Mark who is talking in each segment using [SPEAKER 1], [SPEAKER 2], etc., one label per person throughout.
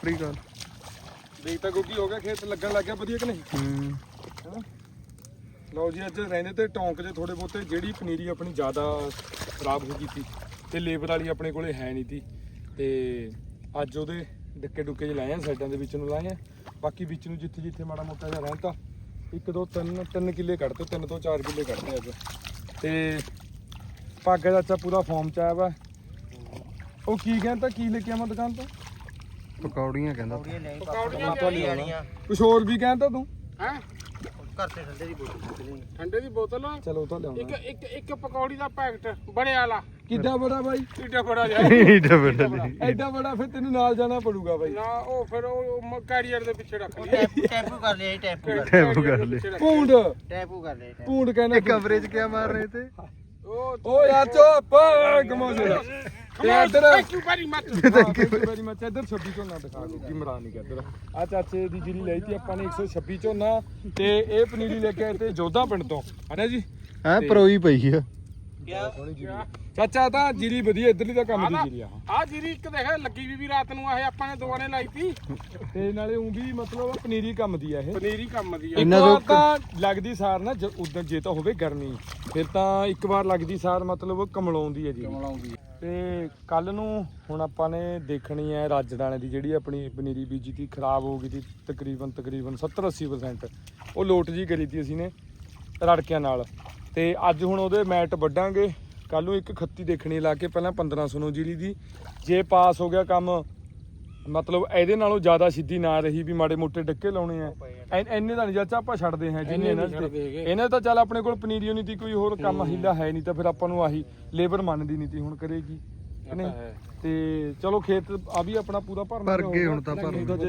[SPEAKER 1] ਸ੍ਰੀ ਅਕਾਲ।
[SPEAKER 2] ਦੇਖ ਤਾਂ ਗੋਗੀ ਹੋ ਗਿਆ, ਖੇਤ ਲੱਗਣ ਲੱਗ ਗਿਆ ਵਧੀਆ ਕਿ ਨਹੀਂ? ਹੈਨਾ। ਲਓ ਜੀ ਅੱਜ ਰਹਿੰਦੇ ਤੇ ਟੌਂਕ 'ਚ ਥੋੜੇ ਬਹੁਤੇ, ਜਿਹੜੀ ਪਨੀਰੀ ਆਪਣੀ ਜ਼ਿਆਦਾ ਖਰਾਬ ਹੋ ਗਈ ਸੀ ਤੇ ਲੇਬਰ ਵਾਲੀ ਆਪਣੇ ਕੋਲੇ ਹੈ ਨਹੀਂ ਸੀ, ਤੇ ਅੱਜ ਉਹਦੇ ਡੱਕੇ ਡੁੱਕੇ ਜਿਹੇ ਲਾਏ ਆ, ਸਾਈਡਾਂ ਦੇ ਵਿੱਚ ਨੂੰ ਲਾਏ ਆ। ਬਾਕੀ ਵਿੱਚ ਨੂੰ ਜਿੱਥੇ ਜਿੱਥੇ ਮਾੜਾ ਮੋਟਾ ਜਿਹਾ ਰਹਿੰਦਾ 1 2 3 ਕਿੱਲੇ ਕੱਢਤੇ, 3 ਤੋਂ 4 ਕਿੱਲੇ ਕੱਢਤੇ ਅੱਜ। ਤੇ ਭਾਗਾ ਚਾਚਾ ਪੂਰਾ ਫਾਰਮ 'ਚ ਆਇਆ ਵਾ। ਉਹ ਕੀ ਕਹਿੰਦਾ, ਕੀ ਲੈ ਕੇ ਆਵਾਂ ਦੁਕਾਨ ਤੋਂ?
[SPEAKER 1] ਪਕੌੜੀਆਂ ਕਹਿੰਦਾ।
[SPEAKER 3] ਪਕੌੜੀਆਂ
[SPEAKER 2] ਕੁਛ ਹੋਰ ਵੀ ਕਹਿੰਦਾ ਤੂੰ?
[SPEAKER 3] ਹੈ ਘਰ ਤੇ ਠੰਡੇ ਦੀ ਬੋਤਲ, ਠੰਡੇ ਦੀ ਬੋਤਲ
[SPEAKER 2] ਚਲੋ ਉਹ ਤਾਂ ਲਿਆਉਣਾ।
[SPEAKER 3] ਇੱਕ ਪਕੌੜੀ ਦਾ ਪੈਕਟ ਬੜੇ ਵਾਲਾ।
[SPEAKER 2] ਕਿੱਡਾ ਬੜਾ ਬਾਈ?
[SPEAKER 3] ਏਡਾ ਬੜਾ ਜਾ
[SPEAKER 2] ਐਡਾ ਬੜਾ ਫਿਰ ਤੈਨੂੰ ਨਾਲ ਜਾਣਾ ਪੜੂਗਾ ਬਾਈ।
[SPEAKER 3] ਨਾ ਉਹ ਫਿਰ ਉਹ ਕੈਰੀਅਰ ਦੇ ਪਿੱਛੇ ਰੱਖ ਲਿਆ।
[SPEAKER 4] ਟੈਂਪੂ ਕਰ ਲਿਆ, ਟੈਂਪੂ
[SPEAKER 1] ਕਰ ਲੈ।
[SPEAKER 2] ਪੂੰਡ
[SPEAKER 4] ਟੈਂਪੂ ਕਰ ਲਿਆ।
[SPEAKER 2] ਪੂੰਡ ਕਹਿੰਦਾ
[SPEAKER 1] ਕਵਰੇਜ ਕਿਆ ਮਾਰ ਰਹੇ ਤੇ?
[SPEAKER 2] ਓ ਯਾਰ ਚੁੱਪ ਗਮੋਜੇ ਦਾ। ਤੇ ਇੱਧਰ
[SPEAKER 3] thank you very much.
[SPEAKER 2] Thank you very much. ਇੱਧਰ 26 ਝੋਨਾ ਦਿਖਾ ਦੋ ਕੀ ਮਰਾ ਨਹੀਂ ਕਰਦਾ। ਆ ਚਾਚੇ ਦੀ ਜਿਹੜੀ ਲਈ ਤੀ ਆਪਾਂ ਨੇ 126 ਝੋਨਾ, ਤੇ ਇਹ ਪਨੀਰੀ ਲੈ ਕੇ ਆਏ ਤੇ ਜੋਧਾ ਪਿੰਡ ਤੋਂ, ਹਨਾ ਜੀ?
[SPEAKER 1] ਹੈ ਪਰੋਈ ਪਈ ਆ।
[SPEAKER 2] ਚਾਚਾ ਤਾਂ ਜੀਰੀ ਵਧੀਆ, ਇੱਧਰਲੀ ਤਾਂ ਕੰਮ ਦੀ ਜੀਰੀ ਆ।
[SPEAKER 3] ਆ ਜੀਰੀ ਇੱਕ ਦੇਖ ਲੱਗੀ ਵੀ ਰਾਤ ਨੂੰ ਇਹ ਆਪਾਂ ਨੇ ਦੋਵਾਂ ਨੇ ਲਾਈ ਤੀ,
[SPEAKER 2] ਤੇ ਨਾਲੇ ਉਹ ਵੀ ਮਤਲਬ ਪਨੀਰੀ ਕੰਮ ਦੀ ਆ ਇਹ।
[SPEAKER 3] ਪਨੀਰੀ ਕੰਮ ਦੀ ਆ।
[SPEAKER 2] ਇੱਕ ਵਾਰ ਤਾਂ ਲੱਗਦੀ ਸਾਰ ਨਾ ਉਦੋਂ, ਜੇ ਤਾਂ ਹੋਵੇ ਗਰਮੀ ਫਿਰ ਤਾਂ ਇੱਕ ਵਾਰ ਲੱਗਦੀ ਸਾਰ ਮਤਲਬ ਕਮਲਾਉਂਦੀ ਹੈ ਜੀ। ਤੇ ਕੱਲ ਨੂੰ ਹੁਣ ਆਪਾਂ ਨੇ ਦੇਖਣੀ ਹੈ ਰਾਜਦਾਣੇ ਦੀ, ਜਿਹੜੀ ਆਪਣੀ ਪਨੀਰੀ ਬੀਜੀ ਤੀ ਖਰਾਬ ਹੋ ਗਈ ਤੀ ਤਕਰੀਬਨ 70-80%। ਉਹ ਲੋਟ ਜੀ ਕਰੀ ਤੀ ਅਸੀਂ ਨੇ ਰੜਕਿਆਂ ਨਾਲ, ਤੇ ਅੱਜ ਹੁਣ ਉਹਦੇ ਮੈਟ ਵੱਢਾਂਗੇ। ਕੱਲ ਨੂੰ ਇੱਕ ਖੱਤੀ ਦੇਖਣੀ ਲਾ ਕੇ, ਪਹਿਲਾਂ 1500 ਨੂੰ ਜੀਰੀ ਦੀ। ਜੇ ਪਾਸ ਹੋ ਗਿਆ ਕੰਮ, ਮਤਲਬ ਇਹਦੇ ਨਾਲੋਂ ਜ਼ਿਆਦਾ ਸਿੱਧੀ ਨਾ ਰਹੀ ਵੀ ਮਾੜੇ ਮੋਟੇ ਡੱਕੇ ਲਾਉਣੇ ਆ, ਇੰਨੇ ਤਾਂ ਨਹੀਂ ਚਾਚਾ ਆਪਾਂ ਛੱਡਦੇ ਹਾਂ ਜਿੰਨੇ ਇਹਨਾਂ ਤਾਂ ਚੱਲ ਆਪਣੇ ਕੋਲ ਪਨੀਰੀ ਨਹੀਂ ਤੀ, ਕੋਈ ਹੋਰ ਕੰਮ ਹੀਲਾ ਹੈ ਨਹੀਂ, ਤਾਂ ਫਿਰ ਆਪਾਂ ਨੂੰ ਆਹੀ ਲੇਬਰ ਮੰਨਦੀ ਨਹੀਂ ਤੀ, ਹੁਣ ਕਰੇਗੀ ਨਹੀਂ। ਤੇ ਚਲੋ ਖੇਤ ਆ ਵੀ ਆਪਣਾ ਪੂਰਾ ਭਰ
[SPEAKER 1] ਗਏ ਹੁਣ ਤਾਂ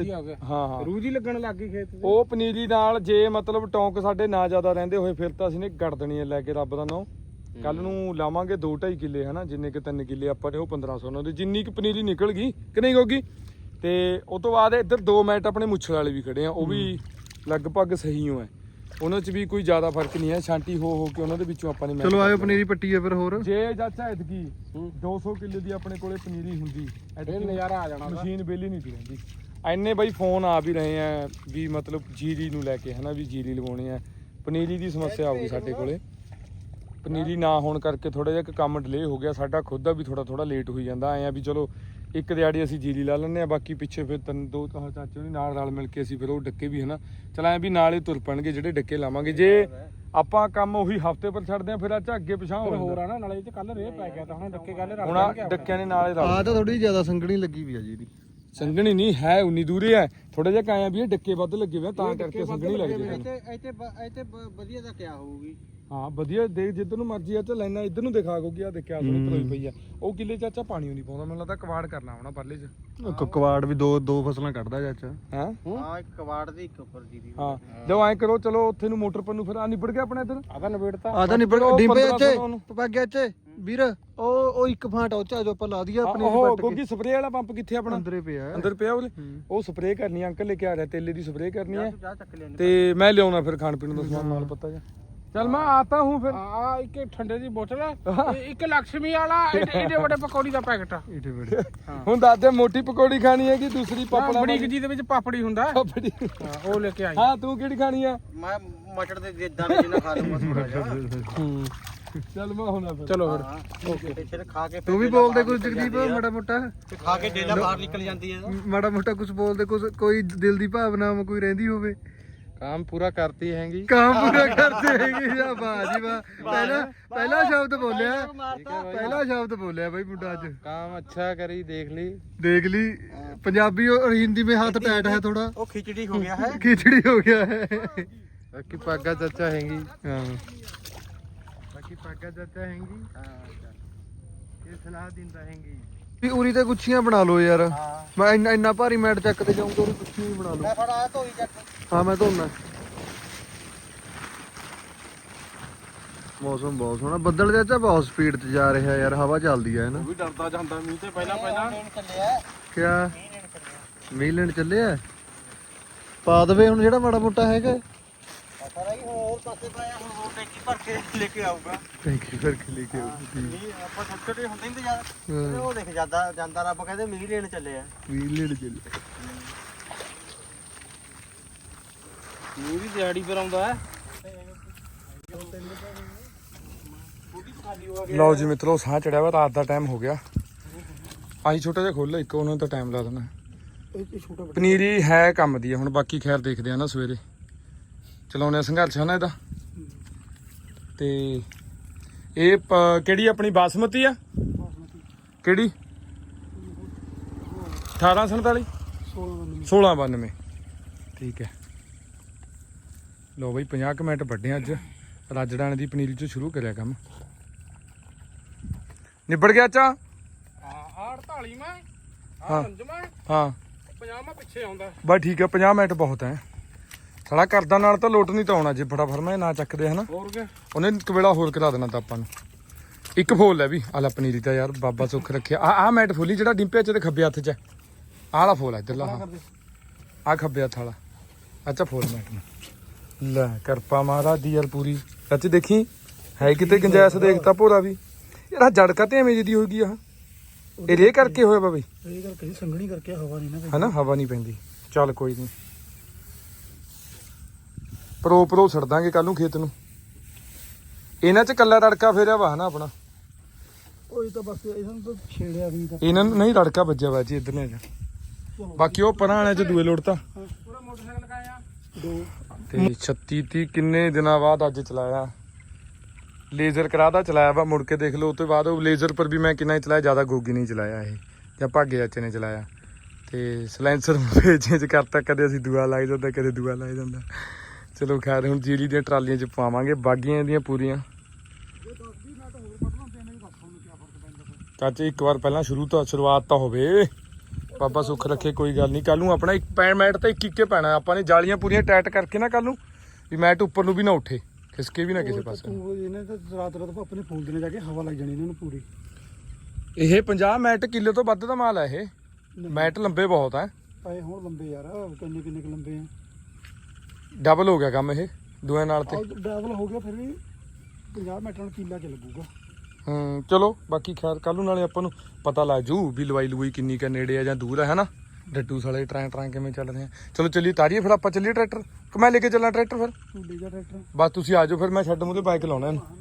[SPEAKER 2] ਹਾਂ
[SPEAKER 3] ਰੂਹ ਜੀ ਲੱਗਣ ਲੱਗ ਗਈ ਖੇਤ।
[SPEAKER 2] ਉਹ ਪਨੀਰੀ ਨਾਲ ਜੇ ਮਤਲਬ ਟੌਂਕ ਸਾਡੇ ਨਾ ਜ਼ਿਆਦਾ ਰਹਿੰਦੇ ਹੋਏ ਫਿਰ ਤਾਂ ਅਸੀਂ ਨੇ ਗੜ ਦੇਣੀ ਹੈ ਲੈ ਕੇ, ਰੱਬ ਦਾ ਨਾਂ। ਕੱਲ ਨੂੰ ਲਾਵਾਂਗੇ 2-2.5 ਕਿੱਲੇ ਹਨਾ, ਜਿੰਨੇ ਕਿ 3 ਕਿੱਲੇ ਆਪਾਂ ਨੇ ਉਹ 1500 ਉਹਨਾਂ ਦੇ, ਜਿੰਨੀ ਕਿ ਪਨੀਰੀ ਨਿਕਲ ਗਈ ਕਿ ਨਹੀਂ ਹੋਗੀ। ਤੇ ਉਹ ਤੋਂ ਬਾਅਦ ਇੱਧਰ 2 ਮੈਟ ਆਪਣੇ ਮੁੱਛਲ ਵਾਲੇ ਵੀ ਖੜੇ ਆ, ਉਹ ਵੀ ਲਗਭਗ ਸਹੀ ਹੋ ਹੈ, ਉਹਨਾਂ 'ਚ ਵੀ ਕੋਈ ਜ਼ਿਆਦਾ ਫਰਕ ਨਹੀਂ ਹੈ। ਛਾਂਟੀ ਹੋ ਕੇ ਉਹਨਾਂ ਦੇ ਵਿੱਚੋਂ ਆਪਾਂ ਨੇ
[SPEAKER 1] ਚਲੋ ਆਇਓ ਪਨੀਰੀ ਪੱਟੀ ਆ ਫਿਰ। ਹੋਰ
[SPEAKER 2] ਜੇ ਚਾਚਾ ਐਤਕੀ 200 ਕਿੱਲੇ ਦੀ ਆਪਣੇ ਕੋਲੇ ਪਨੀਰੀ ਹੁੰਦੀ,
[SPEAKER 3] ਇਹ ਨਜ਼ਾਰਾ ਆ ਜਾਣਾ।
[SPEAKER 2] ਮਸ਼ੀਨ ਵਿਹਲੀ ਨਹੀਂ ਸੀ ਰਹਿੰਦੀ। ਐਨੇ ਬਾਈ ਫੋਨ ਆ ਵੀ ਰਹੇ ਆ ਵੀ ਮਤਲਬ ਜੀਰੀ ਨੂੰ ਲੈ ਕੇ ਹਨਾ, ਵੀ ਜੀਰੀ ਲਵਾਉਣੀ ਆ। ਪਨੀਰੀ ਦੀ ਸਮੱਸਿਆ ਆਊਗੀ ਸਾਡੇ ਕੋਲੇ, ਪਨੀਰੀ ਨਾ ਹੋਣ ਕਰਕੇ ਥੋੜਾ ਜਿਹਾ ਕੰਮ ਡਿਲੇ ਹੋ ਗਿਆ ਸਾਡਾ ਖੁਦ ਦਾ ਵੀ, ਥੋੜਾ ਲੇਟ ਹੋਈ ਜਾਂਦਾ। ਐਂ ਆ ਵੀ ਚਲੋ ਇੱਕ ਦਿਹਾੜੀ ਅਸੀਂ ਜੀਰੀ ਲਾ ਲੈਂਦੇ ਆ, ਬਾਕੀ ਪਿੱਛੇ ਫਿਰ 2 ਚਾਚੇ ਉਹਨੇ ਨਾਲ ਰਲ ਮਿਲ ਕੇ ਅਸੀਂ ਫਿਰ ਉਹ ਡੱਕੇ ਵੀ ਹਨਾ ਚਲ ਐਂ ਵੀ ਨਾਲ ਹੀ ਤੁਰ ਪੈਣਗੇ ਜਿਹੜੇ ਡੱਕੇ ਲਾਵਾਂਗੇ। ਜੇ ਆਪਾਂ ਕੰਮ ਉਹੀ ਹਫਤੇ ਪਰ ਛੱਡਦੇ ਆ ਫਿਰ ਅੱਛਾ ਅੱਗੇ ਪਿਛਾਂ ਹੋ
[SPEAKER 3] ਹੋਰ ਆ ਨਾ, ਨਾਲੇ ਇਹ ਕੱਲ ਰੇਹ ਪੈ ਗਿਆ ਤਾਂ ਹੁਣ ਡੱਕੇ ਕੱਲ
[SPEAKER 2] ਹੁਣ ਡੱਕਿਆਂ ਨੇ ਨਾਲੇ ਰਲ
[SPEAKER 1] ਆ ਤਾਂ ਥੋੜੀ ਜ਼ਿਆਦਾ ਸੰਗਣੀ ਲੱਗੀ ਵੀ ਆ ਜੀ ਦੀ।
[SPEAKER 2] ਸੰਗਣੀ ਨਹੀਂ ਹੈ, ਉਨੀ ਦੂਰੇ ਹੈ, ਥੋੜਾ ਜਿਹਾ ਕਾਇਆ ਵੀ ਇਹ ਡੱਕੇ ਵੱਧ ਲੱਗੇ ਹੋਏ ਤਾਂ ਕਰਕੇ ਸੰਗਣੀ ਲੱਗਦੀ ਹੈ।
[SPEAKER 4] ਇੱਥੇ ਵਧੀਆ ਤਾਂ ਕਿਆ ਹੋਊਗੀ।
[SPEAKER 2] ਹਾਂ ਵਧੀਆ ਦੇਖ, ਜਿੱਧਰ ਨੂੰ ਮਰਜੀ ਆ ਤੇ ਲੈਣਾ ਇੱਧਰ ਨੂੰ ਦਿਖਾ ਗੋਗੀ ਆ ਦੇਖਿਆ ਸੁਣੀ ਪਰੋਈ ਪਈ ਆ। ਉਹ ਕਿੱਲੇ ਚਾਚਾ ਪਾਣੀ ਨਹੀਂ ਪਾਉਂਦਾ, ਮੈਨੂੰ ਲੱਗਦਾ ਕਵਾੜ ਕਰਨਾ ਹੋਣਾ ਪਰਲੇ 'ਚ।
[SPEAKER 1] ਕਵਾੜ ਵੀ ਦੋ ਫਸਲਾਂ ਕੱਢਦਾ ਚਾਚਾ।
[SPEAKER 2] ਹਾਂ
[SPEAKER 4] ਹਾਂ ਇੱਕ ਕਵਾੜ ਦੀ ਇੱਕ ਉੱਪਰ ਦੀ।
[SPEAKER 2] ਹਾਂ ਜਦੋਂ ਐਂ ਕਰੋ ਚਲੋ ਉੱਥੇ ਨੂੰ ਮੋਟਰ ਪਰ ਨੂੰ ਫਿਰ ਆ ਨਿਬੜ ਗਿਆ ਆਪਣਾ ਇੱਧਰ।
[SPEAKER 3] ਆਦਾ ਨਵੇੜਤਾ
[SPEAKER 1] ਆ ਤਾਂ ਨਿਬੜ ਡਿੰਬੇ ਇੱਥੇ ਪੱਗਿਆ ਇੱਥੇ ਵੀਰ। ਉਹ ਇੱਕ ਫਾਂਟ ਉਹ ਚਾ ਜੋ ਆਪਾਂ ਲਾ ਦਈਏ ਆਪਣੀ
[SPEAKER 2] ਉਹ ਗੋਗੀ ਸਪਰੇਅ ਵਾਲਾ ਪੰਪ ਕਿੱਥੇ ਆਪਣਾ?
[SPEAKER 1] ਅੰਦਰੇ ਪਿਆ।
[SPEAKER 2] ਅੰਦਰ ਪਿਆ ਉਹਦੇ। ਉਹ ਸਪਰੇਅ ਕਰਨੀ ਅੰਕਲ ਲੈ ਕੇ ਆ ਰਿਹਾ, ਤੇਲੇ ਦੀ ਸਪਰੇਅ ਕਰਨੀ ਹੈ,
[SPEAKER 4] ਚਾਹ ਚੱਕ ਲਿਆ
[SPEAKER 2] ਤੇ ਮੈਂ ਲਿਆਉਣਾ ਫਿਰ ਖਾਣ ਪੀਣ ਦਾ ਸਮਾਨ ਨਾਲ ਪਤਾ ਜਾ। चल मैं आता हूँ फिर।
[SPEAKER 3] आ एक ठंडे दी बोतल है, एक लक्ष्मी वाला एडे बड़े पकौड़ी दा पैकेट आ।
[SPEAKER 1] ਏਡੇ ਬੜੇ
[SPEAKER 2] ਹੁਣ ਦੱਸ ਦੇ ਮੋਟੀ ਪਕੌੜੀ ਖਾਣੀ ਹੈ ਕਿ ਦੂਸਰੀ ਪਾਪੜਾ
[SPEAKER 3] ਬੜੀ ਜੀ ਦੇ ਵਿੱਚ ਪਾਪੜੀ ਹੁੰਦਾ
[SPEAKER 2] ਪਾਪੜੀ?
[SPEAKER 3] ਉਹ ਲੈ ਕੇ ਆਈ।
[SPEAKER 2] ਹਾਂ ਤੂੰ ਕਿਹੜੀ ਖਾਣੀ ਆ?
[SPEAKER 4] ਮੈਂ ਮਟਰ ਦੇ ਜਿੱਦਾਂ ਵੀ ਜਿੰਨਾ ਖਾ ਲੂੰਗਾ ਥੋੜਾ ਜਿਹਾ।
[SPEAKER 2] ਚੱਲ ਮੈਂ ਹੁਣਾ ਫਿਰ।
[SPEAKER 3] ਚਲੋ ਫਿਰ
[SPEAKER 4] ਓਕੇ ਫਿਰ ਖਾ ਕੇ
[SPEAKER 1] ਤੂੰ ਵੀ ਬੋਲਦੇ ਕੁਝ ਜਗਦੀਪ ਮਾੜਾ ਮੋਟਾ।
[SPEAKER 4] ਖਾ ਕੇ ਡੇਲਾ ਬਾਹਰ ਨਿਕਲ ਜਾਂਦੀ ਹੈ।
[SPEAKER 1] ਮਾੜਾ ਮੋਟਾ ਕੁਝ ਬੋਲਦੇ, ਕੁਝ ਕੋਈ ਦਿਲ ਦੀ ਭਾਵਨਾ ਕੋਈ ਰਹਿੰਦੀ ਹੋਵੇ।
[SPEAKER 2] काम पूरा करती हैंगी।
[SPEAKER 1] काम पूरा करते हैंगे। या वाह जी वाह, पहला शब्द बोलिया, पहला शब्द बोलिया भाई मुंडा आज।
[SPEAKER 2] काम अच्छा करी,
[SPEAKER 1] देख ली। पंजाबी और हिंदी में हाथ टाइट है थोड़ा।
[SPEAKER 4] वो खिचड़ी हो गया है,
[SPEAKER 1] खिचड़ी हो गया है।
[SPEAKER 2] बाकी पागा चाचा हैंगी।
[SPEAKER 1] हाँ
[SPEAKER 2] बाकी पागा चाचा हैंगी। ये सलाह दिंदा हैंगी।
[SPEAKER 1] ਵੀ ਉਰੀ ਤੇ ਗੁੱਛੀਆਂ ਬਣਾ ਲਓ ਯਾਰ। ਮੈਂ ਇੰਨਾ ਭਾਰੀ ਮੈਟ ਚੱਕ ਤੇ ਜਾਊਂਗਾ, ਉਰੀ ਗੁੱਛੀਆਂ ਹੀ ਬਣਾ ਲਓ।
[SPEAKER 4] मैं थोड़ा तो ही चक।
[SPEAKER 1] ਹਾਂ ਮੈਂ ਧੋਣਾ। ਮੌਸਮ ਬਹੁਤ ਸੋਹਣਾ, ਬੱਦਲ ਚਾਚਾ ਬਹੁਤ ਸਪੀਡ ਤੇ ਜਾ ਰਿਹਾ ਯਾਰ, ਹਵਾ ਚੱਲਦੀ ਹੈ ਨਾ।
[SPEAKER 3] ਵੀ ਡਰਦਾ ਜਾਂਦਾ ਮੀਂਹ ਤੇ ਪਹਿਲਾਂ
[SPEAKER 4] ਚੱਲਿਆ
[SPEAKER 1] ਕਿਆ ਮੀਂਹ ਲੈਣ ਚੱਲੇ ਆ? ਪਾ ਦਵੇ ਹੁਣ ਜਿਹੜਾ ਮਾੜਾ ਮੋਟਾ ਹੈਗਾ।
[SPEAKER 4] ਸਾਰਾ ਹੀ ਹੋ ਹੋਰ ਪਾਸੇ ਪਾਇਆ ਹੁਣ ਹੋਰ ਟੈਂਕੀ ਭਰ ਕੇ ਲੈ ਕੇ ਆਊਗਾ
[SPEAKER 1] ਟੈਂਕੀ ਭਰ ਕੇ ਲੈ ਕੇ ਆਉਂਦੀ
[SPEAKER 4] ਨਹੀਂ ਆਪਾਂ ਛੋਟੇ ਛੋਟੇ ਹੁੰਦੇ ਨਹੀਂ ਤੇ ਉਹ ਦੇਖ ਜਾਂਦਾ ਰੱਬ ਕਹਿੰਦੇ ਮੀਂਹ ਲੈਣ ਚੱਲੇ ਆ
[SPEAKER 1] ਵੀ ਲੈਣ ਚੱਲੇ
[SPEAKER 3] ਮੀਂਹ ਦੀ ਦਿਹਾੜੀ ਪਰ ਆਉਂਦਾ ਹੈ
[SPEAKER 2] ਲਓ ਜੀ ਮਿੱਤਰੋ ਸਾਹ ਚੜਿਆ ਵਾ ਰਾਤ ਦਾ ਟਾਈਮ ਹੋ ਗਿਆ ਆਹੀ ਛੋਟਾ ਜਿਹਾ ਖੋਲ ਇੱਕ ਉਹਨਾਂ ਨੂੰ ਤਾਂ ਟਾਈਮ ਲਾ ਦੇਣਾ ਪਨੀਰੀ ਹੈ ਕੰਮ ਦੀ ਆ ਹੁਣ ਬਾਕੀ ਖੈਰ ਦੇਖਦੇ ਆ ਨਾ ਸਵੇਰੇ ਚਲਾਉਣੇ ਆ ਸੰਘਰਸ਼ ਹੈ ਨਾ ਇਹਦਾ ਤੇ ਇਹ ਕਿਹੜੀ ਆਪਣੀ ਬਾਸਮਤੀ ਆ ਕਿਹੜੀ 1847 1692 ਠੀਕ ਹੈ ਲਓ ਬਈ 50 ਕੁ ਮਿੰਟ ਵੱਡੇ ਅੱਜ ਰਾਜੜਾਣੇ ਦੀ ਪਨੀਰੀ ਚ ਸ਼ੁਰੂ ਕਰਿਆ ਕੰਮ ਨਿਬੜ ਗਿਆ ਚਾ
[SPEAKER 3] ਆ 48 ਮੈਂ
[SPEAKER 2] ਹਾਂ।
[SPEAKER 3] 5 ਮੈਂ
[SPEAKER 2] ਹਾਂ
[SPEAKER 3] 50 ਮੈਂ ਪਿੱਛੇ ਆਉਂਦਾ
[SPEAKER 2] ਬਸ ਠੀਕ ਹੈ 50 ਮਿੰਟ ਬਹੁਤ ਹੈ ਸਾਲਾ ਕਰਦਾ ਨਾਲ ਤਾਂ ਲੋਟ ਨਹੀਂ ਤਾਂ ਆਉਣਾ ਜੇ ਫਟਾਫਟ ਮੈਂ ਨਾ ਚੱਕਦੇ ਹਨਾ
[SPEAKER 3] ਹੋਰ ਕੇ
[SPEAKER 2] ਉਹਨੇ ਇੱਕ ਵੇਲਾ ਹੋਰ ਕਰਾ ਦੇਣਾ ਤਾਂ ਆਪਾਂ ਨੂੰ ਇੱਕ ਫੋਲ ਹੈ ਵੀ ਆਲਾ ਪਨੀਰੀ ਤਾਂ ਯਾਰ ਬਾਬਾ ਸੁੱਖ ਰੱਖਿਆ ਆ ਮੈਟ ਫੋਲੀ ਜਿਹੜਾ ਡਿੰਪੇ ਚ ਤੇ ਖੱਬੇ ਹੱਥ ਚ ਆਹ ਵਾਲਾ ਫੋਲ ਹੈ ਇੱਧਰਲਾ ਆ ਖੱਬੇ ਹੱਥ ਵਾਲਾ ਅੱਛਾ ਫੋਲ ਮੈਟ ਨੂੰ ਲੈ ਕਿਰਪਾ ਮਹਾਰਾਜ ਦੀ ਯਾਰ ਪੂਰੀ ਸੱਚ ਦੇਖੀ ਹੈ ਕਿਤੇ ਗੁੰਜਾਇਸ਼ ਦੇਖਤਾ ਭੋਰਾ ਵੀ ਯਾਰ ਆਹ ਜੜਕਾ ਤੇ ਐਵੇਂ ਜਿਹੀ ਹੋ ਗਈ ਆ ਇਹ ਰੇ ਕਰਕੇ ਹੋਇਆ ਵਾ ਬਈ
[SPEAKER 3] ਇਹ ਕਰਕੇ ਸੰਘਣੀ ਕਰਕੇ ਹਵਾ ਨਹੀਂ ਨਾ
[SPEAKER 2] ਹਨਾ ਹਵਾ ਨਹੀਂ ਪੈਂਦੀ ਚੱਲ ਕੋਈ ਨਹੀਂ ਪਰੋ ਛੱਡ ਦਾਂਗੇ ਕੱਲ ਨੂੰ ਖੇਤ ਨੂੰ ਇਹਨਾਂ ਚ ਕੱਲਾ ਰੜਕਾ ਫੇਰਿਆ ਵਾ ਹਨਾ ਆਪਣਾ
[SPEAKER 3] ਉਹ ਤਾਂ ਬਸ ਇਹਨਾਂ ਨੂੰ ਤਾਂ ਛੇੜਿਆ ਵੀ ਤਾਂ
[SPEAKER 2] ਇਹਨਾਂ ਨੂੰ ਨਹੀਂ ਰੜਕਾ ਵੱਜਿਆ ਵਾ ਜੀ ਇੱਧਰ ਨੇ ਬਾਕੀ ਉਹ ਪਰਾਂ ਵਾਲਿਆਂ ਚ ਦੂਏ ਲੋੜ ਤਾਂ
[SPEAKER 3] ਪੂਰਾ ਮੋਟਰਸਾਈਕਲ ਲਗਾਇਆ ਦੋ
[SPEAKER 2] ਤੇ 36 30 ਕਿੰਨੇ ਦਿਨਾਂ ਬਾਅਦ ਅੱਜ ਚਲਾਇਆ ਲੇਜ਼ਰ ਕਰਾਦਾ ਚਲਾਇਆ ਵਾ ਮੁੜ ਕੇ ਦੇਖ ਲਓ ਉਸ ਤੋਂ ਬਾਅਦ ਉਹ ਲੇਜ਼ਰ ਪਰ ਵੀ ਮੈਂ ਕਿੰਨਾ ਹੀ ਚਲਾਇਆ ਜ਼ਿਆਦਾ ਗੋਗੀ ਨਹੀਂ ਚਲਾਇਆ ਇਹ ਜਾਂ ਭਾਗੇ ਚਾਚੇ ਨੇ ਚਲਾਇਆ ਤੇ ਸਲੈਂਸਰ ਚੇਂਜ ਕਰਤਾ ਕਦੇ ਅਸੀਂ ਦੂਆ ਲਾਈ ਜਾਂਦਾ ਕਦੇ ਦੂਆ ਲਾਈ ਜਾਂਦਾ ਚਲੋ ਖੈਰ ਹੁਣ ਜੀਲੀ ਦੀਆਂ ਟਰਾਲੀਆਂ 'ਚ ਪਾਵਾਂਗੇ ਬਾਗੀਆਂ ਦੀਆਂ ਪੂਰੀਆਂ ਚਾਚੇ ਇੱਕ ਵਾਰ ਪਹਿਲਾਂ ਸ਼ੁਰੂਆਤ ਤਾਂ ਹੋਵੇ ਬਾਬਾ ਸੁੱਖ ਰੱਖੇ ਕੋਈ ਗੱਲ ਨਹੀਂ ਕੱਲ ਨੂੰ ਆਪਣਾ ਇੱਕ ਮੈਟ ਤਾਂ ਇੱਕ ਪੈਣਾ ਆਪਾਂ ਨੇ ਜਾਲੀਆਂ ਪੂਰੀਆਂ ਟਾਈਟ ਕਰਕੇ ਨਾ ਕੱਲ ਨੂੰ ਵੀ ਮੈਟ ਉੱਪਰ ਨੂੰ ਵੀ ਨਾ ਉੱਠੇ ਖਿਸਕੇ ਵੀ ਨਾ ਕਿਸੇ ਪਾਸੇ
[SPEAKER 3] ਇਹਨੇ ਤਾਂ ਰਾਤ ਆਪਣੇ ਫੋਨ ਦੇ ਜਾ ਕੇ ਹਵਾ ਲੱਗ ਜਾਣੀ ਇਹਨਾਂ ਨੂੰ ਪੂਰੀ
[SPEAKER 2] ਇਹ 50 ਮੈਟ ਕਿਲੋ ਤੋਂ ਵੱਧ ਦਾ ਮਾਲ ਹੈ ਇਹ ਮੈਟ ਲੰਬੇ ਬਹੁਤ ਹੈ
[SPEAKER 3] ਆਏ ਹੁਣ ਲੰਬੇ ਯਾਰ ਕਿੰਨੇ ਕਿੰਨੇ ਲੰਬੇ ਆ
[SPEAKER 2] ਡਬਲ ਹੋ ਗਿਆ ਕੰਮ ਇਹ ਦੋਆਂ ਨਾਲ ਤੇ
[SPEAKER 3] ਡਬਲ ਹੋ ਗਿਆ ਫਿਰ ਵੀ 50 ਮਿੰਟਾਂ ਨੂੰ ਕਿੱਲਾ ਚ ਲੱਗੂਗਾ
[SPEAKER 2] ਚਲੋ ਬਾਕੀ ਖੈਰ ਕੱਲ ਨੂੰ ਨਾਲੇ ਆਪਾਂ ਨੂੰ ਪਤਾ ਲੱਗ ਜੂ ਵੀ ਲਵਾਈ ਲੂਈ ਕਿੰਨੀ ਕ ਨੇੜੇ ਆ ਜਾਂ ਦੂਰ ਹੈ ਹਨਾ ਡੱਡੂ ਸਾਲੇ ਟਰਾਂ ਕਿਵੇਂ ਚੱਲ ਰਹੇ ਆ ਚਲੋ ਚੱਲੀ ਤਾਰੀਏ ਫਿਰ ਆਪਾਂ ਚੱਲੀਏ ਟਰੈਕਟਰ ਕਿ ਮੈਂ ਲੈ ਕੇ ਚੱਲਾਂ ਟਰੈਕਟਰ ਫਿਰ
[SPEAKER 3] ਤੂੰ ਲੈ ਜਾ ਟਰੈਕਟਰ
[SPEAKER 2] ਬਸ ਤੁਸੀਂ ਆ ਜਾਓ ਫਿਰ ਮੈਂ ਛੱਡ ਮੂਹਰੇ ਬਾਈਕ ਲਾਉਣਾ ਇਹਨੂੰ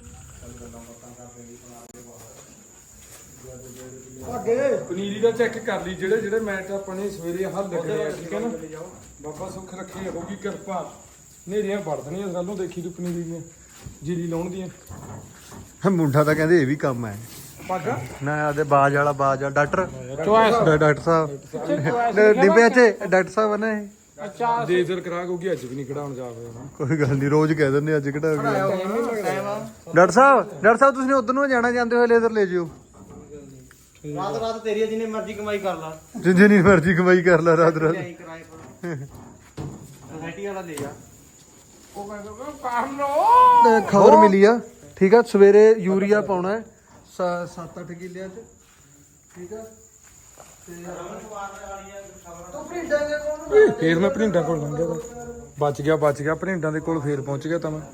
[SPEAKER 2] ਪਨੀਰੀ ਦਾ ਚੈੱਕ ਕਰ ਲਈ ਜਿਹੜੇ ਮੈਟ ਆਪਾਂ ਨੇ ਸਵੇਰੇ ਹੱਲ ਲੱਗਣੇ ਆ ਠੀਕ ਹੈ ਨਾ ਬਾਬਾ ਸੁੱਖ ਰੱਖੇ ਹੋਗੀ ਕਿਰਪਾ ਨੇਰੀਆਂ ਵੜਦਣੀਆਂ ਕੱਲ ਨੂੰ ਦੇਖੀ ਤੂੰ ਪਨੀਰੀ ਦੀਆਂ ਜੀਰੀ ਲਾਉਣ ਦੀਆਂ
[SPEAKER 1] ਮੁੰਡਾ ਤਾਂ ਕਹਿੰਦੇ ਇਹ ਵੀ ਕੰਮ ਹੈ
[SPEAKER 2] ਪਾਗਾ
[SPEAKER 1] ਨਾ ਆਦੇ ਬਾਜ ਵਾਲਾ ਡਾਕਟਰ ਡਾਕਟਰ ਸਾਹਿਬ ਡਿੱਬੇ ਚ ਡਾਕਟਰ ਸਾਹਿਬ ਨੇ
[SPEAKER 3] ਅੱਛਾ
[SPEAKER 2] ਲੇਜ਼ਰ ਕਰਾ ਕੋਗੀ ਅੱਜ ਵੀ ਨਹੀਂ ਕਢਾਉਣ ਜਾ ਹੋਇਆ
[SPEAKER 1] ਕੋਈ ਗੱਲ ਨਹੀਂ ਰੋਜ਼ ਕਹਿ ਦਿੰਦੇ ਅੱਜ ਕਢਾ ਕੇ ਡਾਕਟਰ ਸਾਹਿਬ ਤੁਸੀਂ ਉਧਰ ਨੂੰ ਜਾਣਾ ਜਾਂਦੇ ਹੋਏ ਲੇਜ਼ਰ ਲੈ ਜਿਓ
[SPEAKER 4] ਰਾਤ ਤੇਰੀ ਜਿੰਨੇ ਮਰਜ਼ੀ ਕਮਾਈ ਕਰ ਲਾ
[SPEAKER 1] ਜਿੰਨੀ ਮਰਜ਼ੀ ਕਮਾਈ ਕਰ ਲੈ ਰਾਤ
[SPEAKER 4] ਐਂ ਕਿਰਾਏ ਪਰ ਸੋਸਾਇਟੀ ਵਾਲਾ ਲੈ ਜਾ
[SPEAKER 3] ਉਹ ਕਹਿੰਦਾ ਕਰ ਲੋ
[SPEAKER 1] ਖਬਰ ਮਿਲੀ ਆ ਠੀਕ ਆ ਸਵੇਰੇ ਯੂਰੀਆ ਪਾਉਣਾ 7-8 ਕਿੱਲਿਆਂ ਚ ਠੀਕ ਆ
[SPEAKER 2] ਫੇਰ ਮੈਂ ਭਰਿੰਡਾਂ ਕੋਲ ਲੰਘਿਆ ਤਾਂ ਬਚ ਗਿਆ ਭਰਿੰਡਾਂ ਦੇ ਕੋਲ ਫੇਰ ਪਹੁੰਚ ਗਿਆ ਤਾਂ ਮੈਂ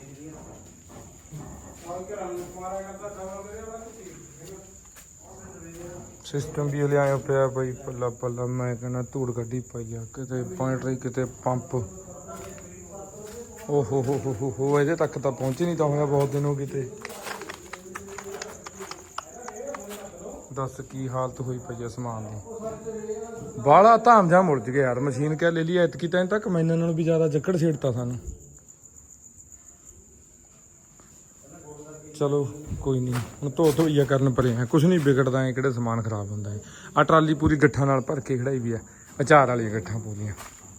[SPEAKER 2] ਸਿਸਟਮ ਵੀ ਲਿਆਇਆ ਪਿਆ ਬਈ ਪੱਲਾ ਮੈਂ ਕਹਿੰਦਾ ਧੂੜ ਗੱਡੀ ਪਈ ਆ ਕਿਤੇ ਪੁਆਇੰਟਰੀ ਕਿਤੇ ਪੰਪ ਓ ਹੋ ਇਹਦੇ ਤੱਕ ਤਾਂ ਪਹੁੰਚ ਨਹੀਂ ਤਾਂ ਹੋਇਆ ਬਹੁਤ ਦਿਨ ਹੋ ਗਏ ਤੇ ਦੱਸ ਕੀ ਹਾਲਤ ਹੋਈ ਪਈ ਆ ਸਮਾਨ ਦੀ ਬਾਹਲਾ ਧਾਮ ਜਾ ਮੁੜ ਗਿਆ ਯਾਰ ਮਸ਼ੀਨ ਕਿਆ ਲੈ ਲਈ ਐਤਕੀ ਤਾਂ ਤੱਕ ਮੈਨਾਂ ਨਾਲੋਂ ਵੀ ਜ਼ਿਆਦਾ ਜੱਕੜ ਛੇੜਤਾ ਸਾਨੂੰ ਚਲੋ ਕੋਈ ਨਹੀਂ ਹੁਣ ਧੋਈਆ ਕਰਨ ਪਰੇ ਆ ਕੁਝ ਨਹੀਂ ਵਿਗੜਦਾ ਹੈ ਕਿਹੜੇ ਸਮਾਨ ਖਰਾਬ ਹੁੰਦਾ ਹੈ ਆ ਟਰਾਲੀ ਪੂਰੀ ਗੱਠਾਂ ਨਾਲ ਭਰ ਕੇ ਖੜਾਈ ਵੀ ਆ ਅਚਾਰ ਵਾਲੀਆਂ ਗੱਠਾਂ ਪੂਰੀਆਂ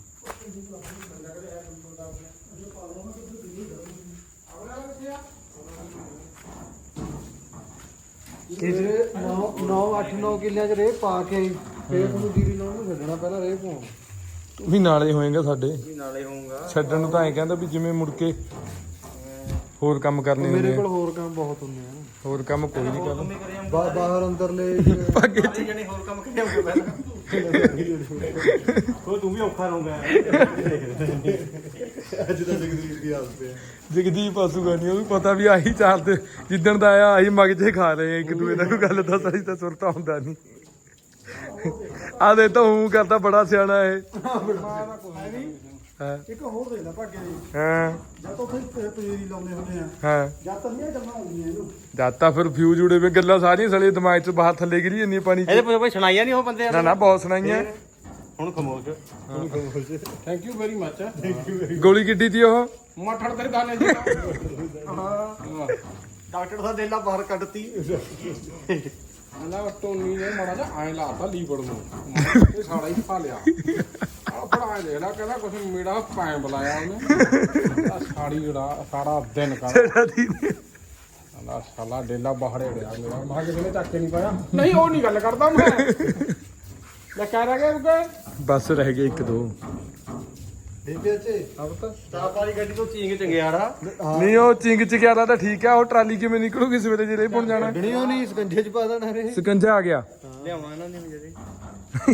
[SPEAKER 1] ਇਹ 9 ਕਿੱਲਿਆਂ ਚ ਰੇਹ ਪਾ ਕੇ ਫੇਰ ਤੁਹਾਨੂੰ ਜੀਰੀ ਲਾਉਣ ਨੂੰ ਛੱਡਣਾ ਪਹਿਲਾਂ ਰੇਹ ਪਾਉਣਾ
[SPEAKER 2] ਤੂੰ ਵੀ ਨਾਲੇ ਹੋਏਗਾ ਸਾਡੇ
[SPEAKER 4] ਨਾਲੇ ਹੋਊਗਾ
[SPEAKER 2] ਛੱਡਣ ਨੂੰ ਤਾਂ ਐਂ ਕਹਿੰਦਾ ਵੀ ਜਿਵੇਂ ਮੁੜ ਕੇ ਹੋਰ ਕੰਮ ਕਰਨੇ ਹੁੰਦੇ
[SPEAKER 1] ਮੇਰੇ
[SPEAKER 2] ਆ
[SPEAKER 1] ਕੋਲ ਹੋਰ ਕੰਮ ਬਹੁਤ ਹੁੰਦੇ ਆ
[SPEAKER 2] ਹੋਰ ਕੰਮ ਕੋਈ ਨਹੀਂ ਕਰਨਾ
[SPEAKER 1] ਬਾਹਰ ਅੰਦਰਲੇ
[SPEAKER 2] ਭਾਗੇ
[SPEAKER 4] ਜਣੇ ਹੋਰ ਕੰਮ ਕਰਿਆਉਂਗੇ ਪਹਿਲਾਂ ਉਹ ਤੂੰ ਵੀ ਔਖਾ ਰਹੂੰਗਾ
[SPEAKER 1] ਅੱਜ ਤਾਂ ਜਗਦੀਪ ਦੀ ਹਾਲਤ ਪਿਆ
[SPEAKER 2] ਜਗਦੀਪ ਆਸੂਗਾ ਨਹੀਂ ਉਹਨੂੰ ਪਤਾ ਵੀ ਆਹੀ ਚਾਲ ਤੇ ਜਿੱਦਣ ਦਾ ਆਇਆ ਆਹੀ ਮਗਜੇ ਖਾ ਰਹੇ ਆ ਇੱਕ ਦੂਏ ਦਾ ਕੋਈ ਗੱਲ ਤਾਂ ਸਹੀ ਤਾਂ ਸੁਰਤਾ ਹੁੰਦਾ ਨਹੀਂ ਆ ਦੇ ਤਾਂ ਹੂੰ ਕਰਦਾ ਬੜਾ ਸਿਆਣਾ ਇਹ ਹਾਂ
[SPEAKER 1] ਇੱਕ ਹੋਰ ਦੇਖਦਾ ਭਾਗੇ ਜੀ
[SPEAKER 2] ਹਾਂ
[SPEAKER 1] ਜਾਂ ਤਾਂ ਉੱਥੇ ਪਜੀਰੀ ਲਾਉਂਦੇ ਹੁੰਦੇ ਆ
[SPEAKER 2] ਹਾਂ
[SPEAKER 1] ਜਾਂ ਤਾਂ ਨਹੀਂ ਗੱਲਾਂ ਆਉਂਦੀਆਂ ਇਹਨੂੰ
[SPEAKER 2] ਜਦ ਤਾਂ ਫਿਰ ਫਿਊਜ਼ ਉੜੇ ਵੇ ਗੱਲਾਂ ਸਾਰੀਆਂ ਸਲੇ ਦਿਮਾਗ ਚ ਬਾਹਰ ਥੱਲੇ ਗਿਰੀ ਜੰਨੀ ਪਾਣੀ ਚ
[SPEAKER 4] ਇਹਦੇ ਕੋਈ ਸੁਣਾਈਆਂ ਨਹੀਂ ਉਹ ਬੰਦੇ
[SPEAKER 2] ਨਾ ਨਾ ਬਹੁਤ ਸੁਣਾਈਆਂ
[SPEAKER 4] ਹੁਣ ਖਮੋਸ਼
[SPEAKER 3] ਥੈਂਕ ਯੂ ਵੈਰੀ ਮੱਚ
[SPEAKER 2] ਗੋਲੀ ਕਿੱਡੀ ਤੀ ਉਹ
[SPEAKER 3] ਮੱਠੜ ਤੇਰੇ ਗਾਣੇ ਜੀ
[SPEAKER 4] ਡਾਕਟਰ ਸਾਹਿਬ ਦੇਲਾ ਬਾਹਰ ਕੱਢਤੀ
[SPEAKER 3] ਆਲਾ ਟੋਨੀ ਨੇ ਮਾੜਾ ਜਿਹਾ ਐ ਲਾਤਾ ਲੀਵਰ ਨੂੰ ਇਹ ਸਾੜਾ ਹੀ ਖਾ ਲਿਆ ਆ ਬੜਾ ਐ ਦੇਖ ਲਾ ਕਹਿੰਦਾ ਕੁਛ ਮੇੜਾ ਪੈਂ ਬੁਲਾਇਆ ਉਹਨੇ ਆ ਸਾੜੀ ਜਿਹੜਾ ਸਾੜਾ ਦਿਨ ਕਰ ਆਲਾ ਸਾਲਾ ਡੇਲਾ ਬਾਹਰ ੜਿਆ ਮੇਰਾ ਮਾ ਕਿਸੇ ਨੇ ਚੱਕ ਕੇ ਨਹੀਂ ਪਾਇਆ ਨਹੀਂ ਉਹ ਨਹੀਂ ਗੱਲ ਕਰਦਾ ਮੈਂ ਲੈ ਕਹਿ ਰਿਹਾ ਕਿ
[SPEAKER 2] ਬਸ ਰਹਿ ਗਏ ਇੱਕ ਦੋ
[SPEAKER 1] ਬੇਬੇ ਅੱਛੇ
[SPEAKER 4] ਸਟਾਫ ਵਾਲੀ ਗੱਡੀ ਤੋਂ ਚੀਂਗ ਚੰਗਿਆੜਾ
[SPEAKER 2] ਨਹੀਂ ਉਹ ਚਿੰਗ ਚ ਗਿਆ ਤਾਂ ਠੀਕ ਆ ਉਹ ਟਰਾਲੀ ਕਿਵੇਂ ਨਿਕਲੂਗੀ ਸਵੇਰੇ ਜਿਹੜੇ ਪੁਣ ਜਾਣਾ
[SPEAKER 1] ਗਣੀ ਉਹ ਨਹੀਂ ਸਕੰਜੇ ਚ ਪਾ ਦੇਣਾ ਰੇ
[SPEAKER 2] ਸਕੰਜਾ ਆ ਗਿਆ
[SPEAKER 4] ਲਿਆਉਣਾ ਇਹਨਾਂ ਨੇ ਜਿਹੜੇ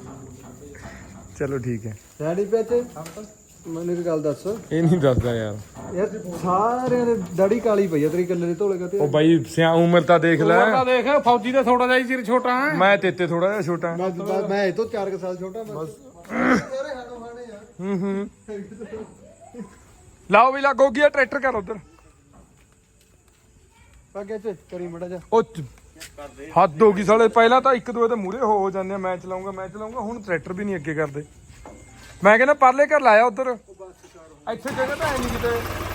[SPEAKER 2] ਚਲੋ ਠੀਕ ਹੈ
[SPEAKER 1] ਡੈਡੀ ਪੇਚੇ ਮੈਨੂੰ ਇੱਕ ਗੱਲ ਦੱਸ
[SPEAKER 2] ਇਹ ਨਹੀਂ ਦੱਸਦਾ ਯਾਰ
[SPEAKER 1] ਯਾਰ ਸਾਰਿਆਂ ਦੇ ਦਾੜੀ ਕਾਲੀ ਪਈ ਆ ਤੇਰੀ ਕੱਲੇ ਦੇ ਧੋਲੇ ਕਾ ਤੇ
[SPEAKER 2] ਉਹ ਬਾਈ ਸਿਆ ਉਮਰ ਤਾਂ ਦੇਖ ਲੈ
[SPEAKER 3] ਉਹਦਾ ਦੇਖ ਫੌਜੀ ਦਾ ਥੋੜਾ ਜਿਹਾ ਹੀ ਸਿਰ ਛੋਟਾ ਹੈ
[SPEAKER 2] ਮੈਂ ਤੇਤੇ ਥੋੜਾ ਜਿਹਾ ਛੋਟਾ
[SPEAKER 1] ਮੈਂ ਇਹ ਤੋਂ 4 ਸਾਲ ਛੋਟਾ ਬਸ ਸਾਰੇ ਹਾਣੋ ਹਾਣੇ ਆ
[SPEAKER 2] ਹੂੰ ਲਾਓ ਵੀ ਲੱਗੋ ਗਿਆ ਟਰੈਕਟਰ ਕਰ ਉਧਰ
[SPEAKER 1] ਅੱਗੇ ਚ ਕਰੀ ਮੜਾ ਜਾ
[SPEAKER 2] ਉਹ ਹੱਦ ਹੋ ਗਈ ਸਾਲੇ ਪਹਿਲਾਂ ਤਾਂ ਇੱਕ ਦੂਏ ਦੇ ਮੂਹਰੇ ਹੋ ਜਾਂਦੇ ਆ ਮੈਂ ਚਲਾਉਂਗਾ ਹੁਣ ਟਰੈਕਟਰ ਵੀ ਨਹੀਂ ਅੱਗੇ ਕਰਦੇ ਮੈਂ ਕਹਿੰਦਾ ਪਰਲੇ ਘਰ ਲਾਇਆ ਉਧਰ ਇੱਥੇ ਜਗ੍ਹਾ ਤਾਂ ਹੈ ਨਹੀਂ ਕਿਤੇ